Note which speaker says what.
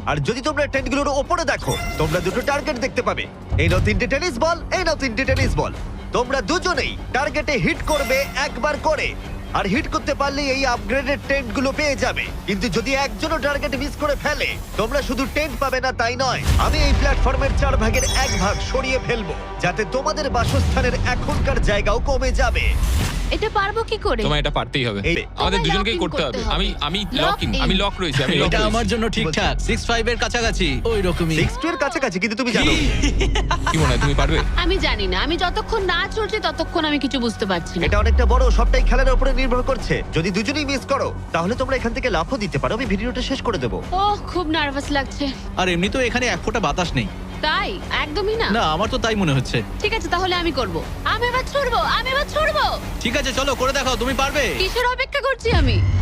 Speaker 1: আর যদি তোমরা টেন্টগুলোর ওপরে দেখো তোমরা দুটো টার্গেট দেখতে পাবে। এই নাও 3টে টেনিস বল, এই নাও 3টে টেনিস বল। তোমরা দুজনেই টার্গেটে হিট করবে একবার করে, আর হিট করতে পারলে এই আপগ্রেডেড টেন্টগুলো পেয়ে যাবে। কিন্তু যদি একজনও টার্গেট মিস করে ফেলে তোমরা শুধু টেন্ট পাবে না তাই নয়, আমি এই প্ল্যাটফর্মের 4 ভাগের 1 ভাগ সরিয়ে ফেলবো, যাতে তোমাদের বাসস্থানের এখনকার জায়গাও কমে যাবে।
Speaker 2: এটা পারবো কি করে?
Speaker 3: তোমায় এটা পারতেই হবে,
Speaker 1: এই-
Speaker 3: আমাদের
Speaker 2: তোমায়
Speaker 3: দুজনকেই
Speaker 2: lock in
Speaker 3: করতে হবে।
Speaker 2: করতে হবে।
Speaker 3: আমি
Speaker 2: Lock
Speaker 3: লক ইন,
Speaker 2: in।
Speaker 3: আমি লক রয়েছি, আমি lock
Speaker 4: এটা
Speaker 3: রয়েছি।
Speaker 4: আমার জন্য ঠিকঠাক 6-5 এর কাছাকাছি ওই রকমই
Speaker 1: 6 এর কাছাকাছি, কিন্তু তুমি জানো
Speaker 3: কি মনে হয় তুমি পারবে?
Speaker 2: আমি জানি না, আমি যতক্ষণ না চলছে ততক্ষণ আমি কিছু বুঝতে পারছি না।
Speaker 1: এটা অনেকটা বড়, সবটাই খেলার উপরে নির্ভর করছে। যদি দুজনেই মিস করো তাহলে তোমরা এখান থেকে লাফও দিতে পারো, আমি ভিডিওটা শেষ করে দেবো।
Speaker 2: ওহ, খুব নার্ভাস লাগছে।
Speaker 4: আর এমনি তো এখানে এক ফোঁটা বাতাস নেই।
Speaker 2: তাই? একদমই না।
Speaker 4: না আমার তো তাই মনে হচ্ছে।
Speaker 2: ঠিক আছে, তাহলে আমি করব। আমি এবার ছুড়বো, আমি এবার ছুড়বো।
Speaker 4: ঠিক আছে চলো করে দেখাও, তুমি পারবে।
Speaker 2: কিসের অপেক্ষা করছি আমি?